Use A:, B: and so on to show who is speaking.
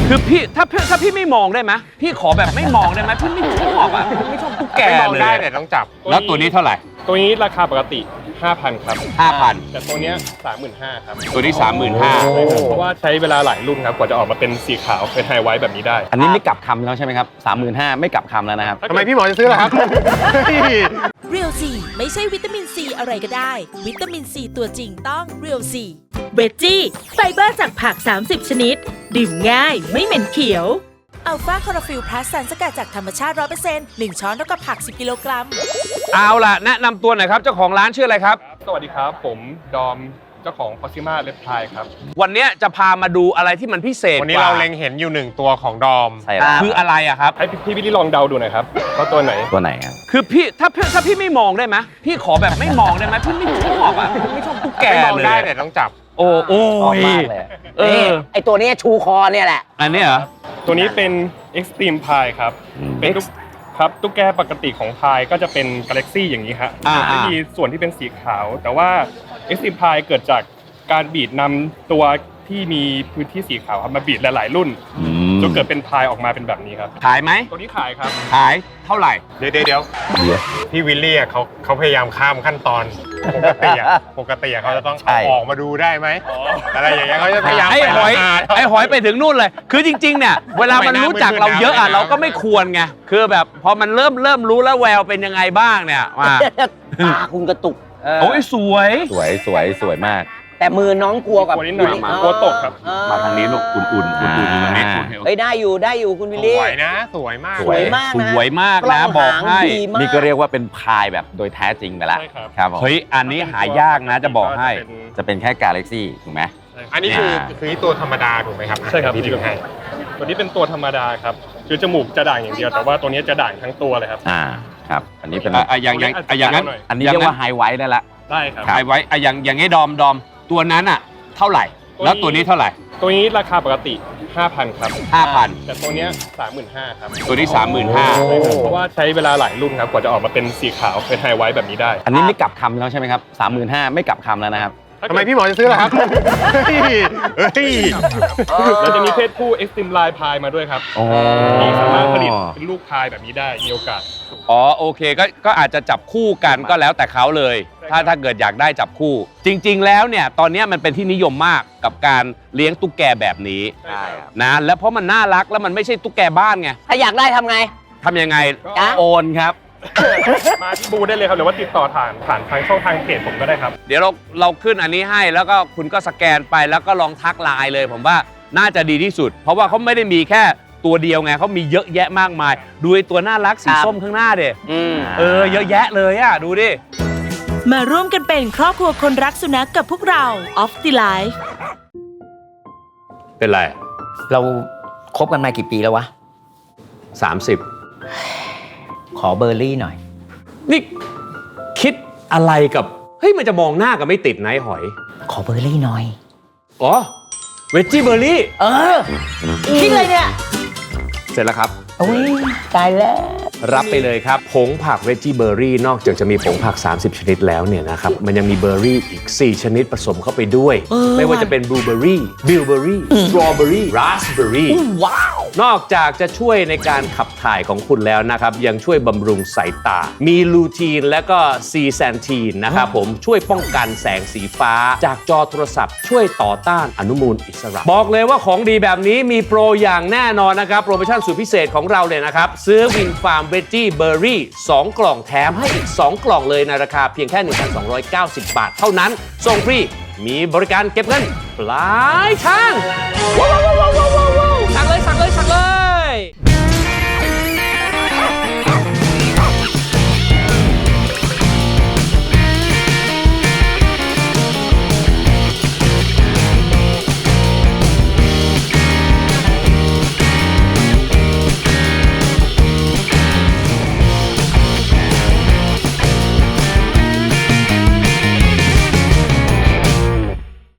A: คือพี่ถ้าพี่ไม่มองได้ไหมพี่ขอแบบไม่มองได้ไหมพี่ไม่ชอบอ่ะไม่ชอบตุ๊กแกเลยมองได้แต่ต้องจับแล้วตัวนี้เท่าไหร่
B: ตัวนี้ราคาปกติ 5,000 ครับ
A: 5,000
B: แต่ตัวนี้ 35,000 ครับ
A: ตัวนี้
B: 35,000 เพราะว่าใช้เวลาหลายรุ่นครับกว่าจะออกมาเป็นสีขาวเป็นไฮไวท์แบบนี้ได้
C: อันนี้ไม่กลับคำแล้วใช่ไหมครับ 35,000ไม่กลับคำแล้วนะครับ
A: ทำไมพี่หมอจะซื้อล่ะครับ
D: เรียวซีไม่ใช่วิตามินซีอะไรก็ได้วิตามินซีตัวจริงต้องเรียวซีเวจจี้ไฟเบอร์จากผัก30ชนิดดื่มง่ายไม่เหม็นเขียวอัลฟาคอร์ฟิลพลัสสารสกัดจากธรรมชาติ 100% 1 ช้อนเท่ากับผัก10 กิโลกรัม
A: เอาล่ะแนะนำตัวหน่อยครับเจ้าของร้านชื่ออะไรครับ
B: สวัสดีครับผมดอมเจ้าของ Proxima Reptile ครับ
A: วันนี้จะพามาดูอะไรที่มันพิเศษ
E: วันนี้เราเล็งเห็นอยู่1ตัวของดอม
C: ใช่ครับ
A: คืออะไรอะครับ
B: ให้พี่วิลลี่ลองเดาดูหน่อยครับว่าตัวไหน
C: ครับ
A: คือพี่ถ้าพี่ไม่มองได้ไหมพี่ขอแบบไม่มองได้ไหมพี่ไม่ชอบอ่ะไม่ชอบตุ๊กแกเลยมองได้แต่ต้องจับโอ้ย
F: ไอตัวนี้ชูคอเนี่ยแหละ
A: อันนี้เหรอ
B: ตัวนี้เป็น Extreme Pie ครับเป็นตุ๊กแกปกติของพายก็จะเป็นกาแล็กซี่อย่างนี้ครับจะมีส่วนที่เป็นสีขาวแต่ว่า Extreme Pie เกิดจากการบีดนำตัวที่มีพื้นที่สีขาวมาบีดหลายๆรุ่นจนเกิดเป็นพายออกมาเป็นแบบนี้ครับ
A: ขายไหม
B: ตัวนี้ขายครับ
A: ขายเท่าไหร่
E: เดี๋ยวพี่วิลลี่เขาพยายามข้ามขั้นตอนปกติเขาจะต้องออกมาดูได้ไหมอะไรอย่างเงี้ยเขาจะพยายาม
A: ไอ้หอยไปถึงนู่นเลยคือจริงๆเนี่ยเวลามันรู้จักเราเยอะเราก็ไม่ควรไงคือแบบพอมันเริ่มรู้แล้วแววเป็นยังไงบ้างเนี่ยมา
F: ตาคุณกระตุก
A: โอ้ยส
C: วยมาก
F: แต่มือน้องกลัวกับ
B: นิดหน่อยกลัวตกครับ
A: มาทางนี้ลูกอุ่นอยู่ตรงนี้
F: เฮ้ยได้อยู่คุณวิลลี่
E: สวยนะสวยมาก
A: สวยมากนะบอกให้
C: นี่ก็เรียกว่าเป็นพายแบบโดยแท้จริงไปแล้ว
B: ครับ
C: เฮ้
A: ยอันนี้หายากนะจะบอกให้
C: จะเป็นแค่กาแล็กซี่ถูกไหม
E: อันนี้คือตัวธรรมดาถูกไหมครับ
B: ใช่ครับพี่ดูให้ตัวนี้เป็นตัวธรรมดาครับคือจมูกจะด่างอย่างเดียวแต่ว่าตัวนี้จะด่างทั้งตัวเลยครับ
C: ครับอันนี้เป็น
A: อย่างนั้น
C: อันนี้เรียกว่าไฮไวท์ได้ละ
B: ได้ครับ
A: ไฮไวท์อย่างงี้ดอมตัวนั้นอะเท่าไหร่แล้วตัวนี้เท่าไหร่
B: ตัวนี้ราคาปกติ 5,000 ครับ
A: 5,000
B: แต่ตัวนี้ 35,000 ครับ
A: ตัวนี้
B: 35,000 เพราะว่าใช้เวลาหลายรุ่นครับกว่าจะออกมาเป็นสีขาวเป็นไฮไวท์แบบนี้ได้
C: อันนี้ไม่กลับคำแล้วใช่ไหมครับ 35,000ไม่กลับคำแล้วนะครับ
E: ทำไมพี่หมอจะซื้อล่ะครับ
B: แล้วจะมีเพศผู้ Extreme Line Pie มาด้วยครับที่สามารถผลิตเป็นลูกพายแบบนี้ได้มีโอกาส
A: โอเคก็อาจจะจับคู่กันก็แล้วแต่เขาเลยถ้าเกิดอยากได้จับคู่จริงๆแล้วเนี่ยตอนนี้มันเป็นที่นิยมมากกับการเลี้ยงตุ๊กแกแบบนี้นะแล้วเพราะมันน่ารักแล้วมันไม่ใช่ตุ๊กแกบ้านไง
F: ถ้าอยากได้ทำไง
C: โอนครับ
B: มาที่บูได้เลยครับหรือว่าติดต่อผ่านทางช่องทางเพจผมก็ได้ครับ
A: เดี๋ยวเราขึ้นอันนี้ให้แล้วก็คุณก็สแกนไปแล้วก็ลองทักไลน์เลยผมว่าน่าจะดีที่สุดเพราะว่าเขาไม่ได้มีแค่ตัวเดียวไงเขามีเยอะแยะมากมายดูไอ้ตัวน่ารักสีส้มข้างหน้าเด็เยอะแยะเลยอ่ะดูดิ
D: มาร่วมกันเป็นครอบครัวคนรักสุนัขกับพวกเรา Off the Life
A: เป็นไร
F: เราคบกันมากี่ปีแล้ววะ
A: 30
F: ขอเบอร์รี่หน่อย
A: นี่คิดอะไรกับเฮ้ยมันจะมองหน้ากันไม่ติดนะหอย
F: ขอเบอร์รี่หน่อย
A: เวจจี้เบอร์รี่
F: คิดเลยเนี่ย
A: เสร็จแล้วครับ
F: โอ้ยตายแล้ว
A: รับไปเลยครับผงผักเวจจี้เบอร์รี่นอกจากจะมีผงผัก30ชนิดแล้วเนี่ยนะครับมันยังมีเบอร์รี่อีก4ชนิดผสมเข้าไปด้วยไม่ว่าจะเป็นบลูเบอร์รี่บิลเบอร์รี่สตรอเบอร์รี่ราสเบอร์รี่
F: ว้าวน
A: อกจากจะช่วยในการขับถ่ายของคุณแล้วนะครับยังช่วยบำรุงสายตามีลูทีนและก็ซีแซนทีนนะครับผมช่วยป้องกันแสงสีฟ้าจากจอโทรศัพท์ช่วยต่อต้านอนุมูลอิสระบอกเลยว่าของดีแบบนี้มีโปรอย่างแน่นอนนะครับโปรโมชั่นสุดพิเศษของเราเลยนะครับซื้อวินฟาร์มเวจจี้เบอร์รี่2กล่องแถมให้อีก2กล่องเลยในราคาเพียงแค่ 1,290 บาทเท่านั้นส่งฟรีมีบริการเก็บเงินปลายทางสั่งเลย